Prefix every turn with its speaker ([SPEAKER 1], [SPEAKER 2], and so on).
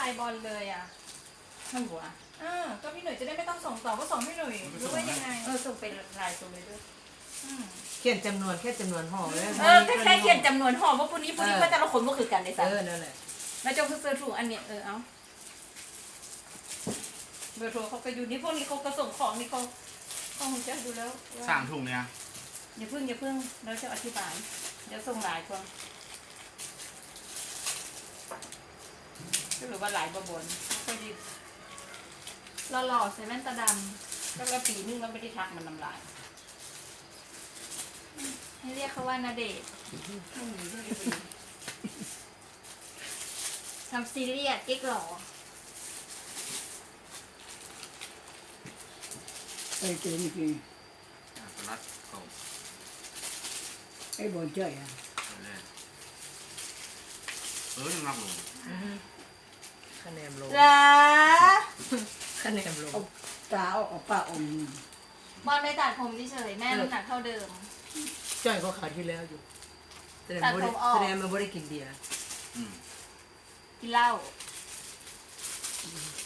[SPEAKER 1] ายบอลเลยอ่ะ
[SPEAKER 2] ไม่หัว
[SPEAKER 1] ก็พี่หนุ่ยจะได้ไม่ต้องส่งต่อก็ส่งพี่หนุ่ยรู้ว่ายังไง
[SPEAKER 2] ส่งเป็นลายส่งเลยด้วย
[SPEAKER 3] เขียนจำนวนแค่จำนวนห่อเลย
[SPEAKER 2] แค่เขียนจำนวนห่อว่าปุ่นนี้ก็แต่ละคนก็คือกันเลยสัก
[SPEAKER 3] นั่นแหละ
[SPEAKER 2] แล้วเจ้าคือเสื้อถูกอันเนี้ยเอาเบอร์โทรเขาก็อยู่นี่พวกนี้เขาก็ส่งของนี่เขาคงจะดูแล้ว
[SPEAKER 4] สั่งถุงเนี่ย
[SPEAKER 2] อย่าพึ่งแล้วจะอธิบายเดี๋ยวส่งหลายคนหรือว่าหลายบนพอดี
[SPEAKER 1] หล่อๆใส่แว่นตาด
[SPEAKER 2] แล้วก็ปีนึงเราไม่ได้ทักมันน้ำลาย
[SPEAKER 1] ำให้เรียกเขาว่านาเดชน์
[SPEAKER 2] ไม่มีเรื่องปี
[SPEAKER 1] ทำซีเรียสเก๊กหล่อ
[SPEAKER 5] ไอ้เจนี่คือ
[SPEAKER 4] สลัดเขา
[SPEAKER 5] ไอ้บอลเจ้าอ่ะ
[SPEAKER 4] เลยยังนักลง
[SPEAKER 3] คะแนนลง
[SPEAKER 2] จ้า
[SPEAKER 3] คะแนนลง
[SPEAKER 5] เอาตาเอาปากอม
[SPEAKER 1] บอลไม่ตัดผมเฉยๆแม่น้ำหนักเท่าเดิม
[SPEAKER 3] จ่อยก็ขาดที่แล้วอยู่แสดง
[SPEAKER 1] ตัด
[SPEAKER 3] ว่า
[SPEAKER 1] ผมออก
[SPEAKER 3] แสดงมันไม่ได้กินเบียร์
[SPEAKER 1] กินเหล้า